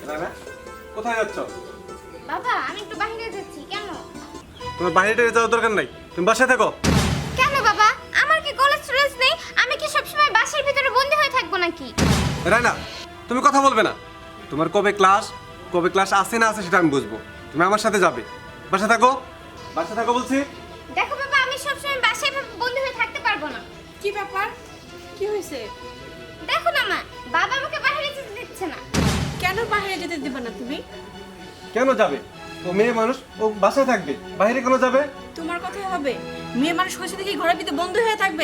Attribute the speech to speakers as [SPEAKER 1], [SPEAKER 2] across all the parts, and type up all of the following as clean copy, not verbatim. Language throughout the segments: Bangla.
[SPEAKER 1] রানা কোথায় যাচ্ছ?
[SPEAKER 2] বাবা আমি একটু বাইরে যাচ্ছি। কেন?
[SPEAKER 1] তোমার বাইরে যাওয়ার দরকার নাই, তুমি বাসায় থাকো।
[SPEAKER 2] কেন বাবা, আমার কি কলেজ স্টুডেন্টস নেই? আমি কি সবসময় বাসার ভিতরে বন্দি হয়ে থাকবো নাকি?
[SPEAKER 1] রানা তুমি কথা বলবে না। তোমার কবে ক্লাস আছে না আছে সেটা আমি বুঝবো। তুমি আমার সাথে যাবে। বাসায় থাকো, বাসায় থাকো বলছি।
[SPEAKER 2] দেখো বাবা, আমি সবসময় বাসায় বন্দি হয়ে থাকতে পারবো না।
[SPEAKER 3] কি ব্যাপার? কি হয়েছে?
[SPEAKER 2] দেখো না মা, বাবা আমাকে বাইরে যেতে দিচ্ছে না।
[SPEAKER 3] কেন বাইরে যেতে দিবে না তুমি?
[SPEAKER 1] কেন যাবে? ও মেয়ে মানুষ, ও বাসায় থাকবে, বাইরে কেন যাবে?
[SPEAKER 3] তোমার কথাই হবে। মেয়ে মানুষ হয়েছে দেখি ঘরের ভিতরে বন্ধ হয়ে থাকবে।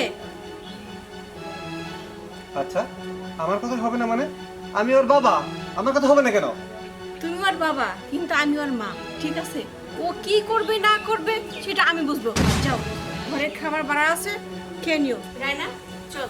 [SPEAKER 1] আচ্ছা আমার কথা হবে না মানে? আমি ওর বাবা, আমার কথা হবে না কেন?
[SPEAKER 3] তুমি ওর বাবা, কিন্তু আমি ওর মা, ঠিক আছে? ও কি করবে না করবে সেটা আমি বুঝবো। যাও, ঘরের খাবার বাড়া আছে, খেয়ে নিও। রায়না চল।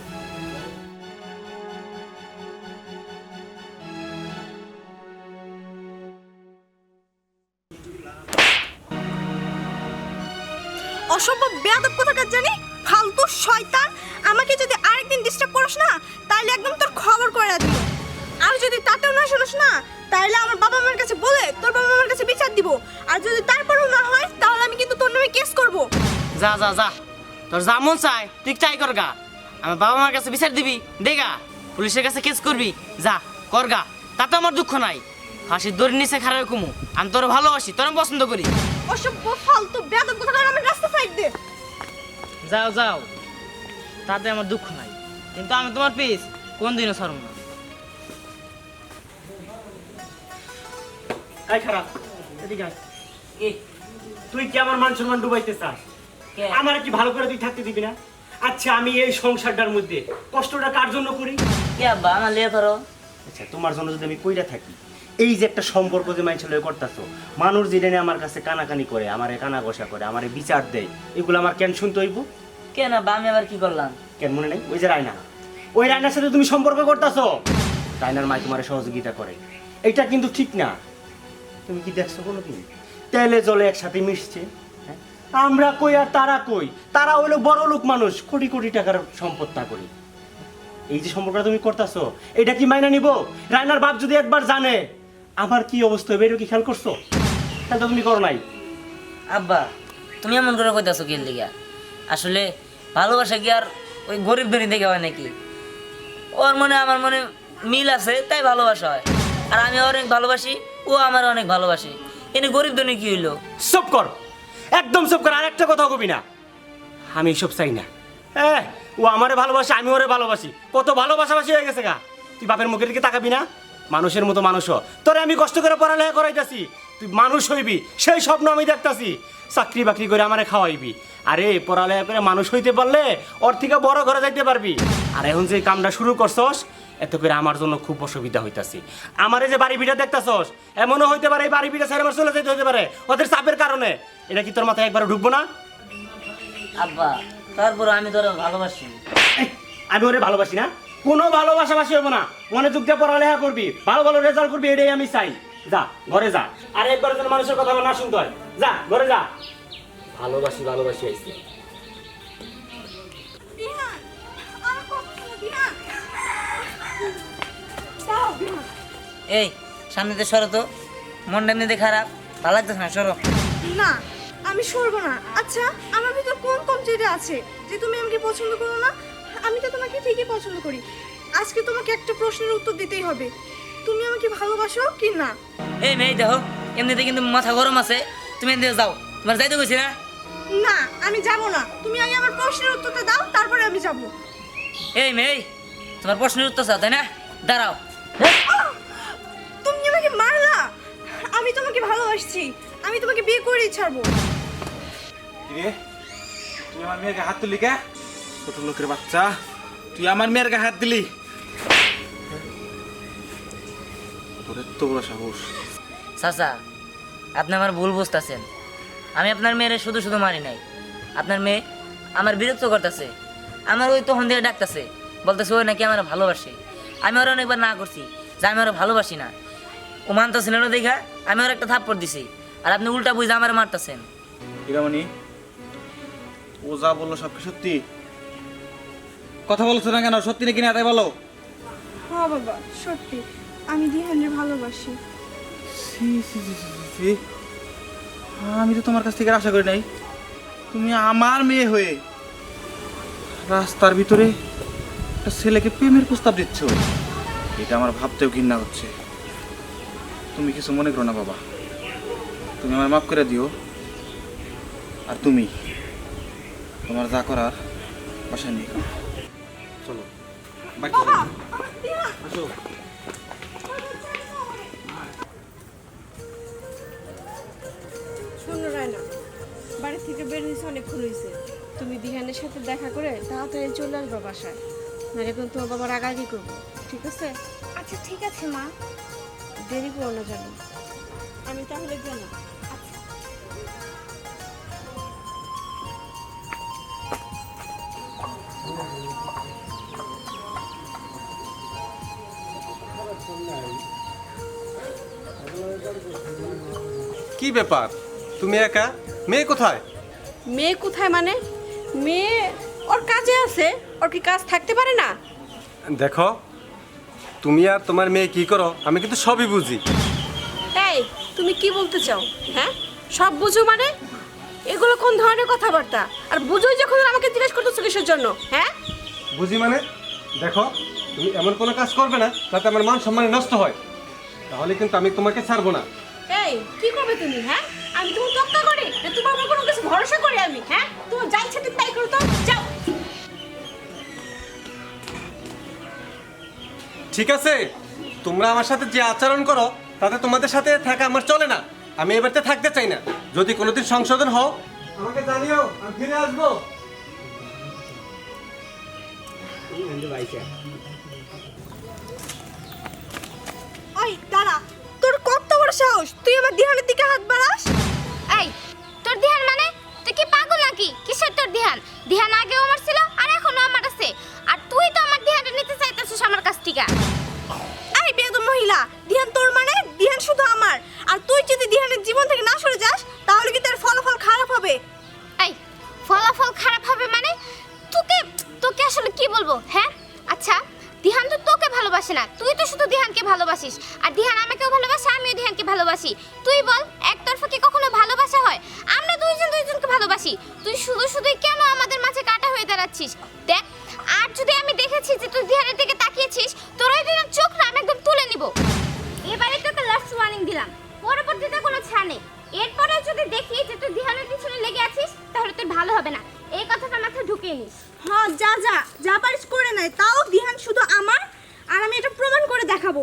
[SPEAKER 4] অসম্ভব বেয়াদব কোথাকার জানি, ফালতু শয়তান। আমাকে যদি আরেকদিন ডিস্টার্ব করিস না তাহলে একদম তোর খবর করে দিব। আর যদি তাতেও না শুনিস না তাহলে আমার বাবা মার কাছে বলে তোর বাবা মার কাছে বিচার দিব। আর যদি তারপরেও না হয় তাহলে আমি কিন্তু তোর নামে কেস করব।
[SPEAKER 5] যা যা যা, তোর যা মন চায় তুই চাই করগা। আমার বাবা মার কাছে বিচার দিবি দেগা, পুলিশের কাছে কেস করবি যা করগা, তাতে আমার দুঃখ নাই। ফাঁসির দড়ির নিচে খারাপ কুমু, আমি তোর ভালোবাসি, তোর আমি পছন্দ করি।
[SPEAKER 4] অসভ্য ফালতু বেয়াদব কোথাকার, আমার রাস্তা সাইড দে।
[SPEAKER 5] যাও যাও, তাতে আমার দুঃখ নাই, কিন্তু আমি তোমার পিস কোনদিনও ছাড়ব না।
[SPEAKER 6] এই খারাপ, এদিকে আয়। তুই কি আমার মান সম্মান ডুবাইতে চাস? আমার কি ভালো করে তুই থাকতে দিবি না? আচ্ছা আমি এই সংসারটার মধ্যে কষ্টটা কার জন্য করি?
[SPEAKER 5] কে আব্বা আমার লিয়ে ধরো।
[SPEAKER 6] আচ্ছা তোমার জন্য যদি আমি কইরা থাকি, এই যে একটা সম্পর্ক যে মাইন ছেলে করতেছো, মানুষ যেটা আমার কাছে কানাকানি করে, আমারে কানা ঘষা করে, আমারে বিচার দেয়, এগুলো আমার কেন শুনতে হইব?
[SPEAKER 5] কেন আব্বা আমি আবার কি করলাম?
[SPEAKER 6] কেন মনে নেই? ওই যে রায়না, ওই রায়নার সাথে তুমি সম্পর্ক করতেছো, রায়নার মাই তোমার সহযোগিতা করে, এটা কিন্তু ঠিক না। তুমি কি দেখছো কোনোদিন তেলে জলে একসাথে মিশছে? হ্যাঁ? আমরা কই আর তারা কই? তারা হইলো বড় লোক মানুষ, কোটি কোটি টাকার সম্পদ তা করি। এই যে সম্পর্কটা তুমি করতেছো, এটা কি মাইনা নিব? রায়নার বাপ যদি একবার জানে আমার কি অবস্থা হবে, এটা কি খেয়াল করছো? তাহলে তো তুমি করো নাই।
[SPEAKER 5] আব্বা তুমি এমন করে কইতাছো কি লিগা? আসলে ভালোবাসা কি আর ওই গরিব ধনী দেখে হয় নাকি? ওর মনে আমার মনে মিল আছে তাই ভালোবাসা হয়। আর আমি অনেক ভালোবাসি, ও আমার অনেক ভালোবাসে। এনে গরিব ধনী কি হইলো?
[SPEAKER 6] চুপ কর, একদম চুপ কর, আর একটা কথা কবি না। আমি এসব চাই না। ও আমারে ভালোবাসে, আমি ওরে ভালোবাসি, কত ভালোবাসাবাসি হয়ে গেছে গা। তুই বাপের মুখের দিকে তাকাবি না? মানুষের মতো মানুষ হ। তোরে আমি কষ্ট করে পড়ালেখা করাইতাছি, তুই মানুষ হইবি সেই স্বপ্ন আমি দেখতাছি। চাকরি বাকরি করে আমারে খাওয়াইবি। আরে পড়ালেখা করে মানুষ হইতে পারলে ওর থেকে বড় ঘরে যাইতে পারবি। আর এখন যে কামটা শুরু করছস, এত করে আমার জন্য খুব অসুবিধা হইতাছে। আমারে যে বাড়ি ভিটা দেখতাছস, এমনও হইতে পারে এই বাড়ি ভিটা ছেড়ে আমার চলে যেতে হইতে পারে ওদের চাপের কারণে। এটা কি তোর মাথায় একবার ঢুকবো না?
[SPEAKER 5] আব্বা তারপর আমি তোর ভালোবাসি।
[SPEAKER 6] এই, আমি ওরে ভালোবাসি না? কোনো ভালোবাসাবাসি হবো না। মনোযোগ দিয়ে পড়ালেখা করবি, ভালো ভালো রেজাল্ট করবি, এটাই আমি চাই। যা ঘরে যা, আর একবার যেন মানুষের কথা আমার না শুনতে হয়। যা ঘরে যা। ভালোবাসি ভালোবাসি আইছি।
[SPEAKER 4] বিহান, আমার কথা শোনো বিহান। দাও বিহান।
[SPEAKER 5] এই সামনেতে সরো তো, মনটা এমনিতে খারাপ, ভালো লাগতেছে না, সরো।
[SPEAKER 4] না আমি সরবো না। আচ্ছা আমার ভিতর কোন কমজোরি আছে যে তুমি আমাকে পছন্দ করো না? আমি তো তোমাকে ঠিকই পছন্দ করি। আজকে তোমাকে একটা প্রশ্নের উত্তর দিতেই হবে, তুমি আমাকে ভালোবাসো কি না?
[SPEAKER 5] এই মেয়ে দেখো, এমনিতে কিন্তু মাথা গরম আছে, তুমি এমনিতে যাও, তোমার যাইতে কইছি না?
[SPEAKER 4] না আমি যাব না, তুমি আগে আমার প্রশ্নের উত্তরটা দাও তারপরে আমি যাব।
[SPEAKER 5] এই মেয়ে, তোমার প্রশ্নের উত্তর চাও তাই না? দাঁড়াও।
[SPEAKER 4] তুমি আমাকে মারলা? আমি তোমাকে ভালোবাসছি, আমি তোমাকে বিয়ে করেই ছাড়বো।
[SPEAKER 7] কিরে তুই আমার মেয়ের গায়ে হাত তুলি কে? ছোট লোকের বাচ্চা, তুই আমার মেয়ের গায়ে হাত দিলি? তোর এত বড় সাহস!
[SPEAKER 5] চাচা আপনি আমার ভুল বুঝতেছেন। আমি আপনার মেয়েরে শুধু শুধু মারি নাই। আপনার মেয়ে আমার বিরক্ত করতেছে, আমার ওই তখন দিয়ে ডাকতেছে, বলতেছে ওই নাকি আমার ভালোবাসে। আমি ওরা অনেকবার না করছি যে আমি ওরা ভালোবাসি না। ও মানতেছিল না দেখা আমি ওর একটা থাপ্পড় দিছি, আর আপনি উল্টা বুঝে আমার মারতেছেন।
[SPEAKER 7] হীরামণি, ও যা বললো সব কি সত্যি? কথা বলছো না কেন? সত্যি নাকি না তাই বলো।
[SPEAKER 4] হ্যাঁ বাবা সত্যি, আমি দিহানকে ভালোবাসি।
[SPEAKER 7] ছি, ছি, ছি, ছি, ছি, ছি। আমি তো তোমার কাছ থেকে আশা করি নাই তুমি আমার মেয়ে হয়ে রাস্তার ভিতরে একটা ছেলেকে প্রেমের প্রস্তাব দিচ্ছ। এটা আমার ভাবতেও ঘৃণা হচ্ছে। তুমি কিছু মনে করো না বাবা, তুমি আমার মাফ করে দিও। আর তুমি তোমার যা করার বাসায় নিয়ে করো।
[SPEAKER 1] চলো বাড়িতে যাই। আসো।
[SPEAKER 3] শোনো রায়না, বাড়ি থেকে বের হয়েছে অনেকক্ষণ হয়েছে। তুমি দিহানের সাথে দেখা করে তাড়াতাড়ি চলে আসবা বাসায়, নাহলে কিন্তু তোমার বাবা রাগারাগি করবো, ঠিক আছে?
[SPEAKER 2] আচ্ছা ঠিক আছে মা।
[SPEAKER 3] দেরি করো না জানো। আমি তাহলে গেলাম।
[SPEAKER 1] কি ব্যাপার, তুমি একা? মেয়ে কোথায়?
[SPEAKER 3] মেয়ে কোথায় মানে? মেয়ে ওর কাজে আছে, ওর কি কাজ থাকতে পারে না?
[SPEAKER 1] দেখো, তুমি আর তোমার মেয়ে কি করো আমি কিন্তু সবই বুঝি।
[SPEAKER 3] এই তুমি কি বলতে চাও? হ্যাঁ, সব বুঝো মানে? এগুলো কোন ধরনের কথাবার্তা? আর বুঝোই যখন আমাকে জিজ্ঞেস করতেছো কিসের জন্য? হ্যাঁ,
[SPEAKER 1] বুঝি মানে? দেখো, তুমি এমন কোনো কাজ করবে না যাতে আমার মান সম্মান নষ্ট হয়, তাহলে কিন্তু আমি তোমাকে ছাড়বো না।
[SPEAKER 3] এই কি করবে তুমি? হ্যাঁ, আমি তোমার তক্কা করি না, তোমার উপর কোনো কিছু ভরসা করি আমি? হ্যাঁ, তোমার যা ইচ্ছা তুমি তাই করো তো, যাও।
[SPEAKER 1] ঠিক আছে, তোমরা আমার সাথে যে আচরণ করো তাতে তোমাদের সাথে থাকা আমার চলে না। আমি এ বাড়িতে থাকতে চাই না। যদি কোনোদিন সংশোধন হও আমাকে জানিও, আমি ফিরে আসবো।
[SPEAKER 4] ওই দাঁড়া, তোর কত বড় সাহস, তুই আমার দিহানের দিকে হাত বাড়াস?
[SPEAKER 2] এই তোর ধ্যান মানে? তুই কি পাগল নাকি? কিসের তোর ধ্যান? ধ্যান আগেও আমার ছিল আর এখনো আমার আছে। আর তুই তো আমার ধ্যানটা নিতে চাইতেছিস আমার কাছ থেকে।
[SPEAKER 4] এই বেয়াদব মহিলা, দিহান তোর মানে? দিহান শুধু আমার। আর তুই যদি দিহানের জীবন থেকে না সরে যাস তাহলে কি তার ফলাফল খারাপ হবে।
[SPEAKER 2] এই ফলাফল খারাপ হবে মানে? তোকে তোকে আসলে কি বলবো? হ্যাঁ আচ্ছা, দিহান তো তোকে ভালোবাসে না, তুই তো শুধু দিহানকে ভালোবাসিস। আর দিহান আমাকেও ভালোবাসে, আমিও দিহানকে ভালোবাসি। তুই বল, একতরফা কি কখনো ভালোবাসা হয়? আমরা দুইজন দুইজনকে ভালোবাসি। তুই শুধু শুধুই কেন আমাদের মাঝে কাটা হয়ে দাঁড়াচ্ছিস? দেখ, আর যদি আমি দেখেছি যে তুই দিহানের দিকে তাকিয়েছিস, তোর ওই দিনের চোখ না আমি একদম তুলে নিব। এবারে তোকে লাস্ট ওয়ার্নিং দিলাম, পরবর্তীতে কোনো ছাড় নেই। এরপরে যদি দেখি যে তুই দিহানের পিছনে লেগে আছিস তাহলে তুই ভালো হবে না, এই কথাটা মাথায় ঢুকিয়ে নিস।
[SPEAKER 4] হ্যাঁ, যা যা যা পারিস করে নাই, তাও দিহান শুধু আমার। আর আমি এটা প্রমাণ করে দেখাবো।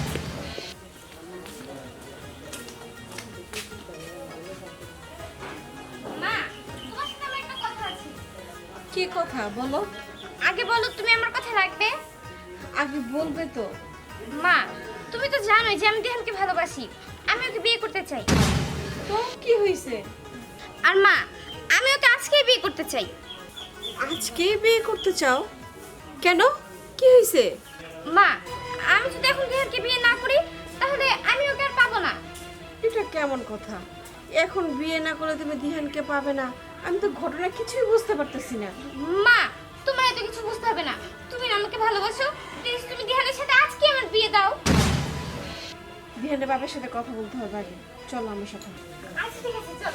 [SPEAKER 2] মা, তোমার সাথে আমার একটা কথা আছে।
[SPEAKER 3] কি কথা বলো?
[SPEAKER 2] আগে বলো, তুমি আমার কথা রাখবে?
[SPEAKER 3] আগে বলবে তো।
[SPEAKER 2] মা, তুমি তো জানোই যে আমি দিহানকে ভালোবাসি, আমি ওকে বিয়ে করতে চাই।
[SPEAKER 3] তো কি হয়েছে?
[SPEAKER 2] আর মা, আমি ওকে আজকেই বিয়ে করতে চাই।
[SPEAKER 3] আজকে বিয়ে করতে চাও? কেন, কি হয়েছে?
[SPEAKER 2] মা, আমি যদি এখন দিহানকে বিয়ে না করি তাহলে আমি ওকে আর পাবো না।
[SPEAKER 3] এটা কেমন কথা? এখন বিয়ে না করে তুমি দিহানকে পাবে না? আমি তো ঘটনা কিছুই বুঝতে পারতেছি না।
[SPEAKER 2] মা, তোমার এত কিছু বুঝতে হবে না। তুমি না আমাকে ভালোবাসো, প্লিজ তুমি দিহানের সাথে আজকে আমার বিয়ে দাও।
[SPEAKER 3] দিহানের বাবার সাথে কথা বলতে হবে আগে, চলো আমার সাথে।
[SPEAKER 2] আচ্ছা ঠিক আছে, চলো।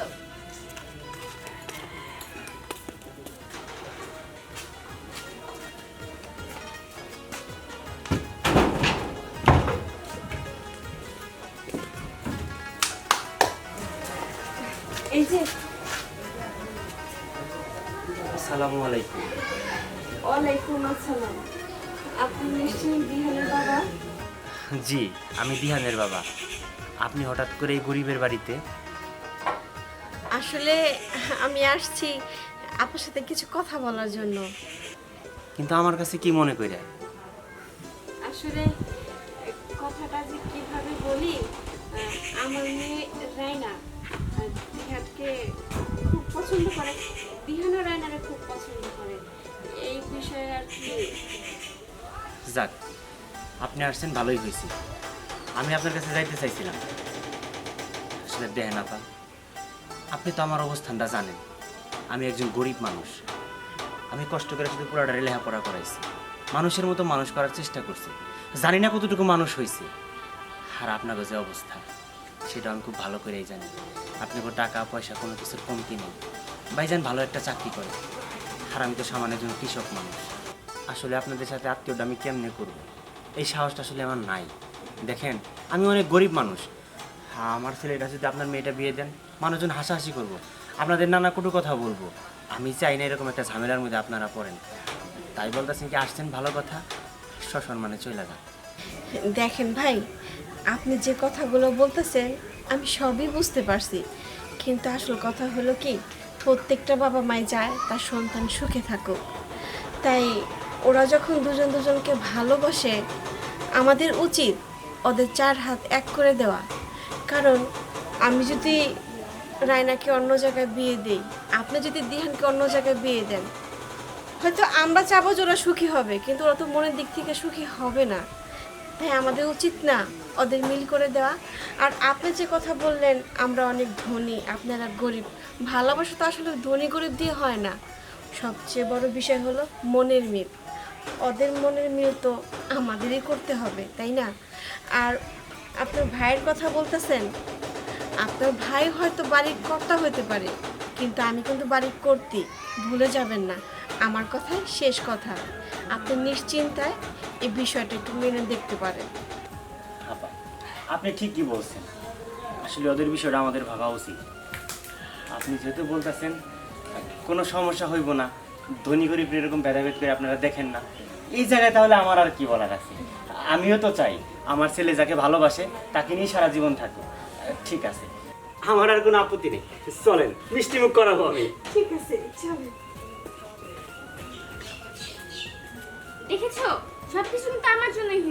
[SPEAKER 3] এই যে,
[SPEAKER 6] আসসালামু আলাইকুম।
[SPEAKER 3] ওয়ালাইকুম আসসালাম। আপনি নিশ্চয়ই দিহানের বাবা?
[SPEAKER 6] জি, আমি দিহানের বাবা। আপনি হঠাৎ করে এই গরিবের বাড়িতে?
[SPEAKER 3] আসলে আমি আসছি আপনার সাথে কিছু কথা বলার জন্য।
[SPEAKER 6] কিন্তু আমার কাছে কি মনে কইরা?
[SPEAKER 3] আসলে কথাটা যে কিভাবে বলি, আমার মেয়ে রায়না দিহানকে খুব পছন্দ করে, দিহানও রায়নারে খুব পছন্দ করে, এই বিষয়ে আর কি।
[SPEAKER 6] যাক, আপনি আসছেন ভালোই হয়েছে। আমি আপনার কাছে যাইতে চাইছিলাম। আসলে দেখেন আপা, আপনি তো আমার অবস্থানটা জানেন। আমি একজন গরিব মানুষ। আমি কষ্ট করে শুধু পুরাটারে লেখাপড়া করাইছি, মানুষের মতো মানুষ করার চেষ্টা করছি। জানি না কতটুকু মানুষ হয়েছে। আর আপনার যে অবস্থা, সেটা আমি খুব ভালো করেই জানি। আপনি কোনো টাকা পয়সা কোনো কিছুর কমতি নেই। ভাইজান ভালো একটা চাকরি করে, আর আমি তো সামান্য একজন কৃষক মানুষ। আসলে আপনাদের সাথে আত্মীয়টা আমি কেমনে করব, এই সাহসটা আসলে আমার নাই। দেখেন আমি অনেক গরিব মানুষ, আমার ছেলেটা যদি আপনার মেয়েটা বিয়ে দেন মানুষজন হাসাহাসি করব, আপনাদের নানা কটু কথা বলবো। আমি চাই না এরকম একটা ঝামেলার মধ্যে আপনারা পড়েন। তাই বলতেছেন কি আসছেন ভালো কথা, সসম্মানে চলে যান।
[SPEAKER 3] দেখেন ভাই, আপনি যে কথাগুলো বলতেছেন আমি সবই বুঝতে পারছি, কিন্তু আসল কথা হলো কি, প্রত্যেকটা বাবা মাই চায় তার সন্তান সুখে থাকুক। তাই ওরা যখন দুজন দুজনকে ভালোবাসে, আমাদের উচিত ওদের চার হাত এক করে দেওয়া। কারণ আমি যদি রায়নাকে অন্য জায়গায় বিয়ে দিই, আপনি যদি দিহানকে অন্য জায়গায় বিয়ে দেন, হয়তো আমরা চাবো যে ওরা সুখী হবে, কিন্তু ওরা তো মনের দিক থেকে সুখী হবে না। তাই আমাদের উচিত না ওদের মিল করে দেওয়া। আর আপনি যে কথা বললেন আমরা অনেক ধনী, আপনারা গরিব, ভালোবাসা তো আসলে ধনী গরিব দিয়ে হয় না। সবচেয়ে বড় বিষয় হলো মনের মিল। ওদের মনের মিল তো আমাদেরই করতে হবে, তাই না? আর আপনার ভাইয়ের কথা বলতেছেন, আপনার ভাই হয়তো বাড়ির কর্তা হতে পারে, কিন্তু আমি কিন্তু বাড়ির কর্ত্রী, ভুলে যাবেন না। আমার কথাই শেষ কথা। আপনি নিশ্চিন্তায় এই বিষয়টা একটু মেনে দেখতে পারেন।
[SPEAKER 6] আপা আপনি ঠিকই বলছেন, আসলে ওদের বিষয়টা আমাদের ভাবা উচিত। আপনি যেহেতু বলতেছেন কোনো সমস্যা হইব না, ধনী গরিব এরকম ভেদাভেদ করে আপনারা দেখেন না, এই জায়গায় তাহলে আমার আর কি বলার আছে। আমিও তো চাই আমার ছেলে যাকে ভালোবাসে তাকে নিয়ে সারা জীবন থাকুক। ঠিক আছে, আমার আর কোনো আপত্তি নেই, চলেন মিষ্টিমুখ করাবো আমি।
[SPEAKER 3] ঠিক আছে, চলেন।
[SPEAKER 2] দেখেছো, সবকিছু কিন্তু আমার জন্যই